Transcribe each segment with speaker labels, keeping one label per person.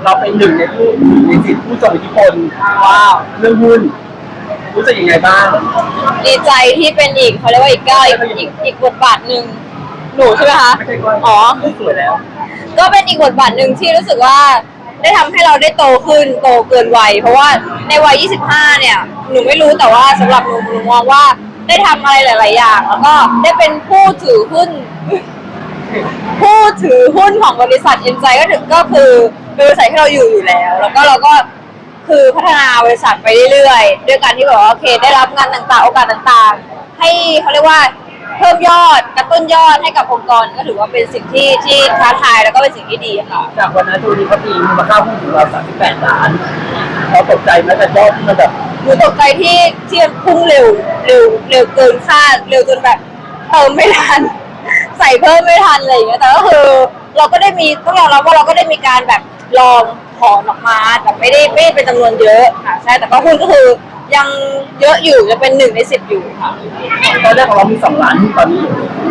Speaker 1: เราเป็นหนึ่งในผู้ในสิทธิผู้ทรงอิทธิพลว้าวเรื่องหุ้นรู้สึกยังไงบ้าง
Speaker 2: ดีใจที่เป็นอีกเขาเรียกว่าอีกก้าวอีกบทบาทหนึ่งหนูใช่ไหมคะอ๋อ
Speaker 1: สวยแล้ว
Speaker 2: ก็เป็นอีกบทบาทหนึ่งที่รู้สึกว่าได้ทำให้เราได้โตขึ้นโตเกินวัยเพราะว่าในวัย 25 เนี่ยหนูไม่รู้แต่ว่าสำหรับหนูมองว่าได้ทำอะไรหลาย ๆ อย่างแล้วก็ได้เป็นผู้ถือหุ้นของบริษัทเอ็นไซก็คือบริษัทที่เราอยู่แล้วแล้วก็เราก็คือพัฒนาบริษัทไปเรื่อยๆด้วยการที่แบบว่าโอเคได้รับงานต่างๆโอกาสต่างๆให้เขาเรียกว่าเพิ่มยอดกระตุ้นยอดให้กับองค์กรก็ถือว่าเป็นสิ่งที่ท้าทายแล้วก็เป็นสิ่งที่ดีค่ะ
Speaker 1: จากวันนั้นทุนนี้เขาตีมูลค่าหุ้นของเรา38 ล้านเราตกใจไหมแต่ยอดที่มันแบบ
Speaker 2: หนูตกใจที่พุ่งเร็วเกินคาดเร็วจนแบบเติมไม่ทันใส่เพิ่มไม่ทันอะไรอย่างเงี้ยแต่ก็คือเราก็ได้มีต้องยอมรับว่าเราก็ได้มีการแบบลองถอนออกมาแต่ไม่ได้เป็นจำนวนเยอะค่ะใช่แต่ก็หุ้นก็คือยังเยอะอยู่จะเป็น1 ใน 10อยู่ค่ะ
Speaker 1: ตอนแรกของเรามี2 ล้านตอนนี้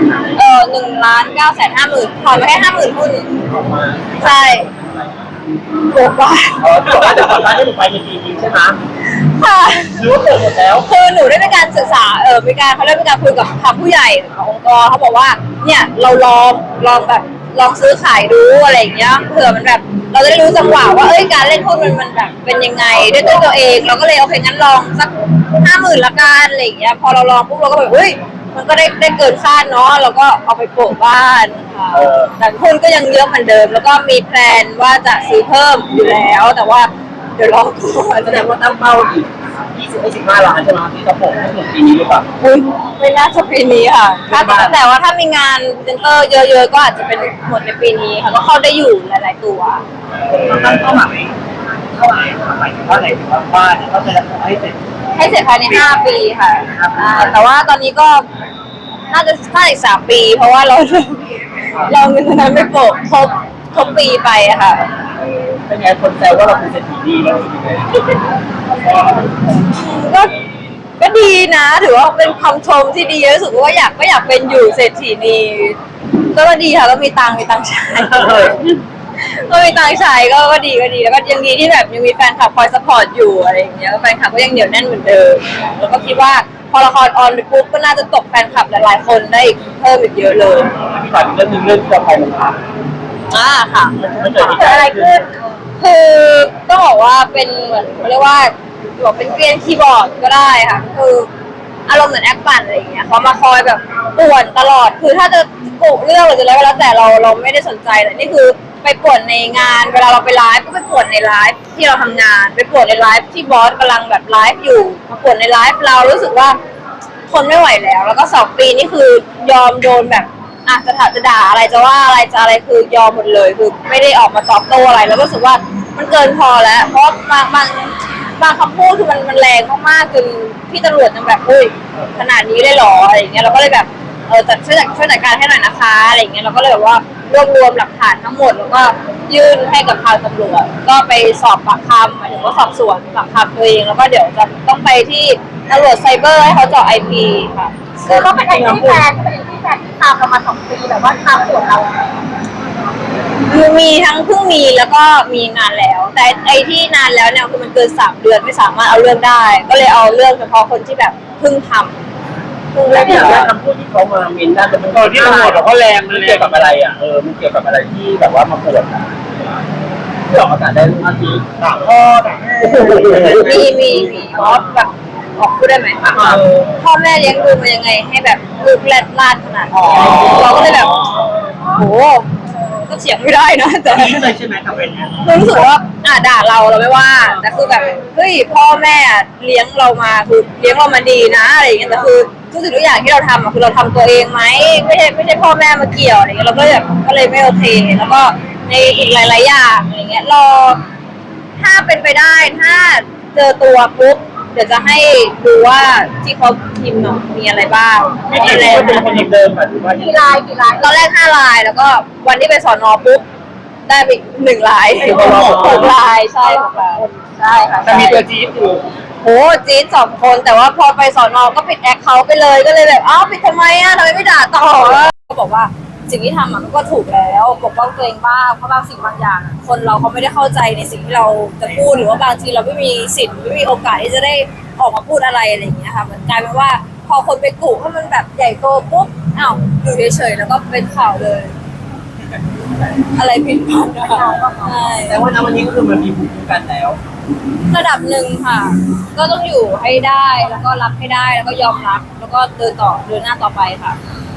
Speaker 2: 1,950,000ถอนมาแค่50,000หุ้นใช่โกงว่า
Speaker 1: แต่ว่าจะ2 ล้านที่หนูไปในปีนี้ใช่ไหม
Speaker 2: ค่ะ
Speaker 1: รู้ว่าเกิดหมดแล้ว
Speaker 2: คือหนูได้มีการศึกษามีการเขาเรียกมีการคุยกับทางผู้ใหญ่ขององค์กรเขาบอกว่าเนี่ยเราลองแบบลองซื้อขายดูอะไรอย่างเงี้ยเผื่อมันแบบเราจะได้รู้จังหวะว่าการเล่นหุ้นมันแบบเป็นยังไงด้วยตัวเองเราก็เลยโอเคงั้นลองสัก50,000ละกันอะไรอย่างเงี้ยพอเราลองปุ๊บเราก็แบบมันก็ได้เกินคาดเนาะเราก็เอาไปโปะบ้านค่ะแต่หุ้นก็ยังเยอะเหมือนเดิมแล้วก็มีแพลนว่าจะซื้อเพิ่มอยู่แล้วแต่ว่าเดี๋ยวรอก่อน
Speaker 1: แสดงว่าตั้งเป้าอีก15 ล้านใช่ไหมที่จะโปะให้ถึงปีนี้หรือเปล่า
Speaker 2: ไม่น่าจะปีนี้ค่ะแต่ว่าถ้ามีงานเซ็นเตอร์เยอะๆก็อาจจะเป็นหมดในปีนี้ค่ะก็เข้าได้อยู่หลายๆตัว
Speaker 1: ตั้งเป้าหมายหมายถึงว่าอะไรถึงว่าบ้านก็จะให้เสร็จ
Speaker 2: ภายใน5 ปีค่ะแต่ว่าตอนนี้ก็น่าจะอีก3 ปีเพราะว่าเราเงินนั้นไม่โปะครบปีไปอะค่ะ
Speaker 1: เป็นไงคนแซวว่าเราเป็นเศรษฐีดีแล้ว
Speaker 2: ก็ดีนะถือว่าเป็นคำชมที่ดีรู้สึกว่าอยากเป็นอยู่เศรษฐีนีก็ดีค่ะก็มีตังค์ใช้ก็มีตังค์ใช้ก็ดีแล้วก็ยังดีที่แบบยังมีแฟนคลับคอยซัพพอร์ตอยู่อะไรอย่างเงี้ยแฟนคลับก็ยังเหนียวแน่นเหมือนเดิมแล้วก็คิดว่าพอละครออนไปปุ๊บก็น่าจะตกแฟนคลับหลายๆคนได้เพิ่มอีกเยอะเลย
Speaker 1: พี่ถามเรื่องนึงเรื่องต่อไปนะครับ
Speaker 2: ค่ะ
Speaker 1: มันเกิด
Speaker 2: อะไรขึ้นคือต้องบอกว่าเป็นเหมือนเขาเรียกว่าบอกเป็นเกลียนคีย์บอร์ดก็ได้ค่ะคืออารมณ์เหมือนแอคปั่นอะไรอย่างเงี้ยเขามาคอยแบบป่วนตลอดคือถ้าจะกุเรื่องหรือจะอะไรก็แล้วแต่เราไม่ได้สนใจแต่นี่คือไปป่วนในงานเวลาเราไปไลฟ์ก็ไปป่วนในไลฟ์ที่เราทำงานไปป่วนในไลฟ์ที่บอสกำลังแบบไลฟ์อยู่มาป่วนในไลฟ์เรารู้สึกว่าทนไม่ไหวแล้วก็2 ปีนี่คือยอมโดนแบบจะด่าอะไรจะว่าอะไรจะอะไรคือยอมหมดเลยคือไม่ได้ออกมาตอบโต้อะไรแล้วก็รู้สึกว่ามันเกินพอแล้วเพราะบางคำพูดคือมันแรงมากๆจนพี่ตำรวจยังแบบขนาดนี้เลยหรออะไรอย่างเงี้ยเราก็เลยแบบช่วยจัดการให้หน่อยนะคะอะไรอย่างเงี้ยเราก็เลยแบบว่ารวมหลักฐานทั้งหมดแล้วก็ยื่นให้กับทางตำรวจก็ไปสอบปากคำหมายถึงว่าสอบสวนปากคำตัวเองแล้วก็เดี๋ยวจะต้องไปที่ตำรวจไซเบอร์ให้เขาเจาะ IP ค่ะ
Speaker 3: คือเขาเป็นที่แฟนที่ตามเรามา2 ปีแบบว่าตามส่วนเรา
Speaker 2: มีทั้งเพิ่งมีแล้วก็มีนานแล้วแต่ไอ้ที่นานแล้วเนี่ยคือมันเกิน3 เดือนไม่สามารถเอาเรื่องได้ก็เลยเอาเรื่องเฉพาะคนที่แบบเพิ่งทำ
Speaker 1: แล้วเนี่ยคำพูดที่เขามาเมนได้แต่มันที่ตำรวจเขาแรงมันเกี่ยวกับอะไรมันเกี่ยวกับอะไรที่แบบว่ามาปวดที่ออกอากาศได้ทันทีด่าพ่อด่า
Speaker 2: มีอ๋อแบบออกพูดได้ไหมพ่อแม่เลี้ยงดูมายังไงให้แบบลูกแรดลาดขนาดนี้เราก็เลยแบบโหก็เถียงไม่ได้นะแต่
Speaker 1: เลยใช่ไหมทำเป็น
Speaker 2: รู้สึกว่าด่าเราไม่ว่าแต่คือแบบพ่อแม่เลี้ยงเรามาคือเลี้ยงเรามาดีนะอะไรอย่างเงี้ยแต่คือทุกสิ่งทุกอย่างที่เราทำคือเราทำตัวเองไหมไม่ใช่พ่อแม่มาเกี่ยวอะไรเงี้ยเราก็เลยไม่โอเคแล้วก็ในอีกหลายๆอย่างอะไรเงี้ยรอถ้าเป็นไปได้ถ้าเจอตัวปุ๊บเดี๋ยวจะให้ดูว่าที่เขาพิมพ์มีอะไรบ้าง
Speaker 1: ไม่ใช่แล้วเป็นคนเดิมแบบว่า
Speaker 3: กี่ลาย
Speaker 2: ตอนแรก5 ลายแล้วก็วันที่ไปสอนอปุ๊บได้ไป1 ลาย6 ลายใช่6 ลายใช่ค่ะ
Speaker 1: จะมีตัวจี๊ดอยู่
Speaker 2: โหจี๊ด2 คนแต่ว่าพอไปสอนอก็ปิดแอคเคาท์ไปเลยก็เลยแบบปิดทำไมทำไมไม่ด่าต่อเขาบอกว่าสิ่งที่ทำมันก็ถูกแล้วปกป้องตัวเองบ้างเพราะบางสิ่งบางอย่างอะคนเราเขาไม่ได้เข้าใจในสิ่งที่เราจะพูดหรือว่าบางทีเราไม่มีสิทธิ์ไม่มีโอกาสที่จะได้ออกมาพูดอะไรอย่างเงี้ยค่ะมันกลายเป็นว่าพอคนไปกุให้มันแบบใหญ่โตปุ๊บอ้าวอยู่เฉยๆแล้วก็เป็นข่าวเลย อะไรผิดพลาดนะคะใช่
Speaker 1: แต่ว่าณวันนี้ก็คือมันมีภูมิคุ้มกันแล้ว
Speaker 2: ระดับหนึ่งค่ะ ก็ต้องอยู่ให้ได้แล้วก็รับให้ได้แล้วก็ยอมรับแล้วก็เดินหน้าต่อไปค่ะ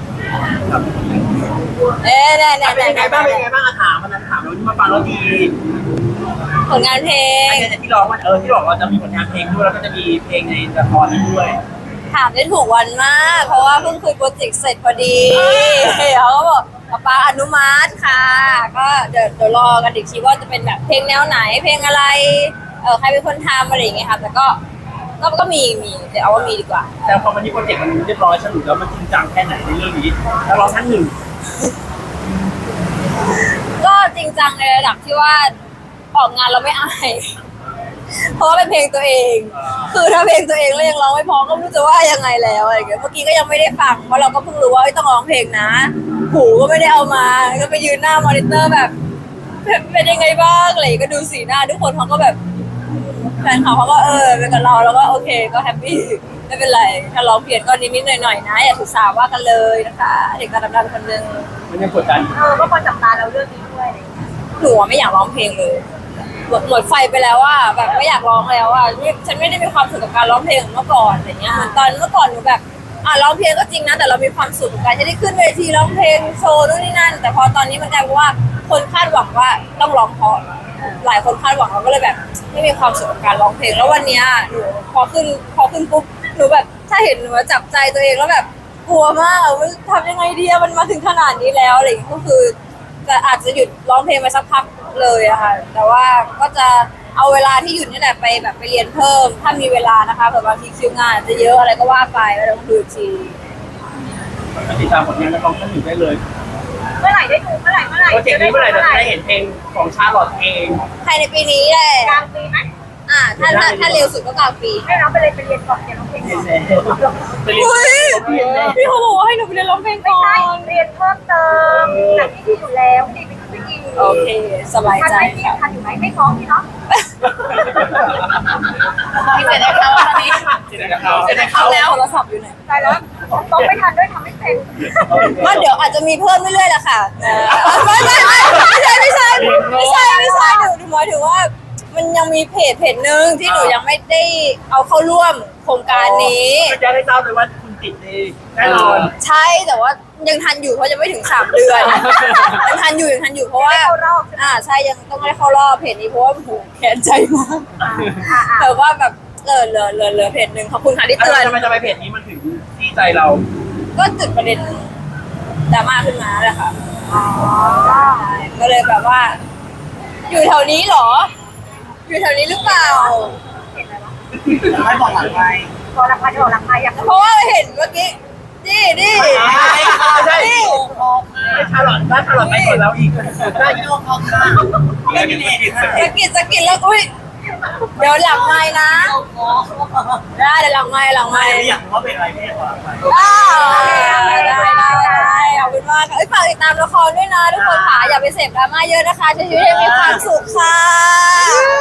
Speaker 2: แน่
Speaker 1: เป็นยังไงบ้างถามมันถามเราที่มาฟังเราดี
Speaker 2: ผลงานเพลง
Speaker 1: แต่ที่ร้องมันที่บอกเราจะมีผลงานเพลงด้วยแล้วก็จะมีเพลงในละครด้วย
Speaker 2: ถามได้ถูกวันมาก เพราะว่าเพิ่งคุยโปรเจกต์เสร็จพอดีเขาก็บอกป๊าอนุมัติค่ะ ก็เดี๋ยวรอกันอีกทีว่าจะเป็นแบบเพลงแนวไหนเพลงอะไรใครเป็นคนทำอะไรอย่างเงี้ยค่ะแต่ก็มีเดี๋ยวเอาว่ามีดีกว่า
Speaker 1: แต่พอวันนี้โปรเจกต์มันเรียบร้อยสรุปแล้วมันจริงจังแค่ไหนในเรื่องนี้แล้วเราท่านหนึ่ง
Speaker 2: ก็จริงจังในระดับที่ว่าออกงานเราไม่อาย เพราะว่าเป็นเพลงตัวเอง คือถ้าเพลงตัวเองแล้วยังร้องไม่พอก็ไม่รู้จะว่ายังไงแล้วอะไรอย่างเงี้ย เมื่อกี้ก็ยังไม่ได้ฟัง เพราะเราก็เพิ่งรู้ว่าต้องร้องเพลงนะ หูก็ไม่ได้เอามา ก็ไปยืนหน้ามอนิเตอร์แบบ เป็นยังไงบ้างอะไรอย่างเงี้ยก็ดูสีหน้าทุกคนเขาก็แบบแฟนเขาก็เป็นกับเราแล้วก็โอเคก็แฮปปี้ไม่เป็นไร ถ้าร้องเพี้ยนก็นิดๆหน่อยๆนะอย่าถือสาว่ากันเลยนะคะ เด็กกระดำๆคนนึง
Speaker 1: มันยังกดดัน
Speaker 3: ก็คนจับตาเราเรื่องนี้ด้วยอะไรอย่างเงี้ย
Speaker 2: หนูไม่อยากร้องเพลงเลยหมดไฟไปแล้วว่าแบบไม่อยากร้องแล้วว่าฉันไม่ได้มีความสุขกับการร้องเพลงเหมือนเมื่อก่อนอะไรเงี้ยเหมือนตอนเมื่อก่อนหนูแบบร้องเพลงก็จริงนะแต่เรามีความสุขกับการที่ได้ขึ้นเวทีร้องเพลงโชว์นู่นนี่นั่นแต่พอตอนนี้มันกลายเป็นว่าคนคาดหวังว่าต้องร้องเพราะหลายคนคาดหวังเราก็เลยแบบไม่มีความสุขกับการร้องเพลงแล้ววันเนี้ยหนูพอขึ้นปุ๊บหนูแบบถ้าเห็นหนูจับใจตัวเองแล้วแบบกลัวมากว่าทำยังไงดีมันมาถึงขนาดนี้แล้วอะไรอย่างเงี้ยก็คือแต่อาจจะหยุดร้องเพลงไปสักพักเลยอะค่ะแต่ว่าก็จะเอาเวลาที่หยุดนี่แหละไปแบบไปเรียนเพิ่มถ้ามีเวลานะคะเผื่อบางทีคิวงานอาจจะเยอะอะไรก็ว่าไปแล้วต้องดูอีกที
Speaker 1: ติดตามผลงานนักร้องท่านหนึ่งได้เลย
Speaker 3: เมื่อไหร่ได้ดูเมื่อไหร่
Speaker 1: โปรเจกต์นี้เมื่อไหร่เราจะได้เห็นเพลงของชาลอตเอง
Speaker 2: ภายในปีนี้แหละ
Speaker 3: กลางปีไหม
Speaker 2: ถ้าเร็วสุดก็กลางปี
Speaker 3: ให้น้องไปเรียนก่อนเรียนร้องเพลงก่อน
Speaker 1: ไปเรียน
Speaker 2: อุ้ยพี่เขาบอกว่าให้หนูไปเรียนร้องเพลง
Speaker 3: ไม่
Speaker 2: ก่อ
Speaker 3: ใช่
Speaker 2: น
Speaker 3: เรียนเพิ่มเติมจากที่อยู่แล้วที่ไปขึ้นไปอีก
Speaker 2: โอเคสบาย
Speaker 3: ทัน
Speaker 2: ใจ
Speaker 3: ไหมพี่
Speaker 2: ค่ะ
Speaker 3: ทันอยู่ไหมไม่ท้องพี่เนาะ
Speaker 2: มีเสร็จแล้วตอนนี้
Speaker 1: เสร็จแล้ว
Speaker 2: โทรศัพท์อยู่ไหน
Speaker 3: ตายแล้วต้องไม่ทันด้วยทำไม่เป็น
Speaker 2: ก็เดี๋ยวอาจจะมีเพิ่มเรื่อยๆแหละค่ะไม่ใช่หนูหมายถึงว่ามันยังมีเพจหนึ่งที่หนูยังไม่ได้เอาเข้าร่วมโครงการนี้
Speaker 1: ก็จะได้ทราบเลยว่าคุณติดดีแน่นอน
Speaker 2: ใช่แต่ว่ายังทันอยู่เพราะยังไม่ถึง3 เดือนยังทันอยู่เพราะว่าใช่ยังต้องได้เข้ารอบเพจนี้เพราะว่าโหแค้นใจมากแต่ว่าแบบเหลือเพจหนึ่งขอบคุณค่ะที่เตือน
Speaker 1: ทำไมจะไปเพจนี้มันถึงที่ใจเรา
Speaker 2: ก็จุดประเด็นดราม่าขึ้นมาแหละค่ะก็เลยแบบว่า อยู่แถวนี้เหรอ อยู่แถวนี้หรือเปล่า
Speaker 1: ไม่บอกหลังไง
Speaker 3: พอรับมาเดี๋ยวรับมาอยาก
Speaker 2: เพราะว่าเห็นเมื่อกี้นี่
Speaker 1: ใช่ชาลอตถ้าชาลอตไม่กดแล้วอีกได้ยี่ห้อเขาค่ะไม่มีเด็ก
Speaker 2: สะกิดแล้วอุ้ยเดี๋ยวหลังไม้นะได้เดี๋ยวหลังไม้
Speaker 1: อยากรู้ว่าเป็นอะไรไม่บอก
Speaker 2: ได้ขอบคุณมากฝากติดตามละครด้วยนะทุกคนค่ะอย่าไปเสพดราม่าเยอะนะคะใช้ชีวิตให้มีความสุขค่ะ